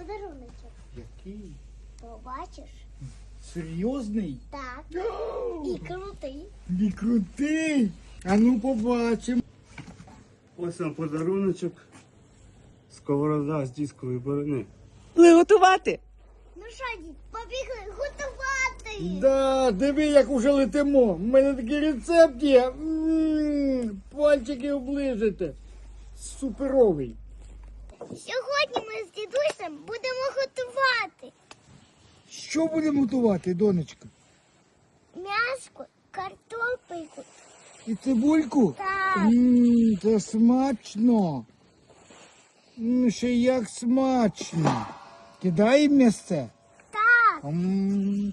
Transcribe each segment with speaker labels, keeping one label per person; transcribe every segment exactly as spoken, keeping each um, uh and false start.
Speaker 1: подаруночок.
Speaker 2: Який?
Speaker 1: Побачиш?
Speaker 2: Серйозний?
Speaker 1: Так.
Speaker 2: О,
Speaker 1: І крутий.
Speaker 2: і крутий. А ну побачимо.
Speaker 3: Ось вам подаруночок. Сковорода з дискової борони.
Speaker 4: Приготувати.
Speaker 1: Ну що, дід, побігли готувати.
Speaker 2: Да, диви, як уже летимо. У мене такий рецепт є. М, Пальчики оближете. Суперовий.
Speaker 1: Сьогодні ми з дідусем будемо готувати
Speaker 2: Що будемо готувати, донечка?
Speaker 1: м'яско, картопельку.
Speaker 2: І цибульку?
Speaker 1: Так.
Speaker 2: Ммм, це смачно. М, ще як смачно. Кидай м'ясце.
Speaker 1: Так.
Speaker 2: М,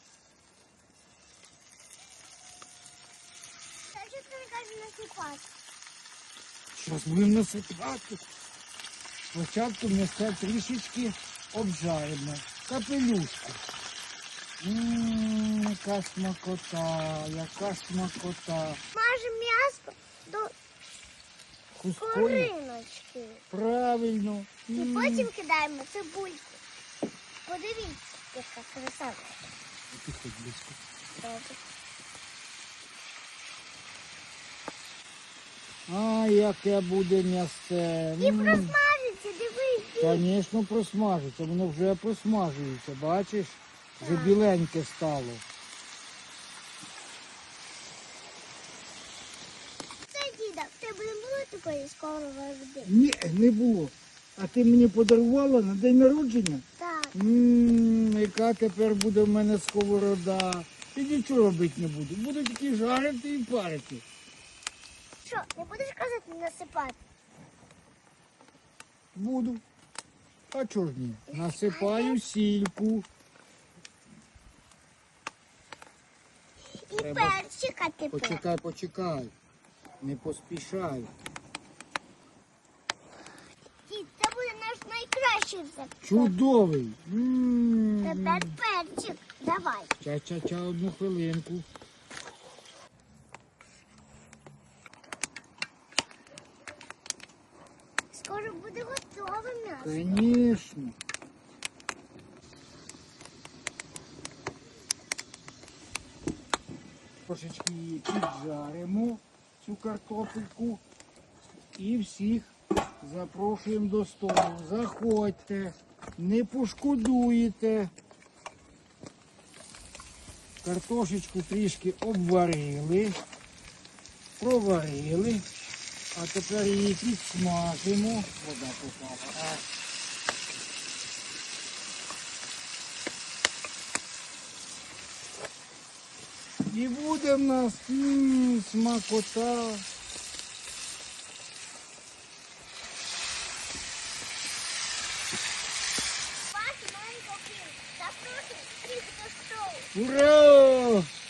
Speaker 1: Та що ти не кажеш насипати?
Speaker 2: Щас будемо насипати. Спочатку м'ясце трішечки обжаримо. Капелюшку. Ммм, яка смакота, яка смакота.
Speaker 1: Мажемо м'яско до
Speaker 2: Хусткою.
Speaker 1: кориночки.
Speaker 2: Правильно.
Speaker 1: І
Speaker 2: М.
Speaker 1: потім кидаємо цибульку. Подивіться, яка краса.
Speaker 2: Підходь близько.
Speaker 1: Добре.
Speaker 2: А, яке буде м'ясце.
Speaker 1: І
Speaker 2: М.
Speaker 1: просмажиться, дивись.
Speaker 2: Звісно, просмажиться. Воно вже просмажується, бачиш? Вже біленьке стало.
Speaker 1: Це діда, в тебе не було такої сковороди?
Speaker 2: Ні, не було. А ти мені подарувала на день народження?
Speaker 1: Так.
Speaker 2: Ммм, яка тепер буде в мене сковорода. І нічого робити не буду. Буду тільки жарити і парити.
Speaker 1: Що, не будеш казати насипати?
Speaker 2: Буду. А чого ж ні? Насипаю сільку.
Speaker 1: І
Speaker 2: Треба-
Speaker 1: перчика тепер.
Speaker 2: Почекай, почекай. Не поспішай.
Speaker 1: Дід, це буде наш найкращий рецепт.
Speaker 2: Чудовий. М.
Speaker 1: Тепер перчик. Давай.
Speaker 2: Ча-ча-ча, одну хвилинку.
Speaker 1: Скоро буде готове м'ясо.
Speaker 2: Конечно. Трошечки її піджаримо, цю картопельку. І всіх запрошуємо до столу. Заходьте, не пошкодуєте. Картошечку трішки обварили, проварили. А тепер її підсмажимо. Вода попала. А. І буде в нас м, смакота.
Speaker 1: Бачу маленького кіл. Запрошую всіх до столу.
Speaker 2: Ура!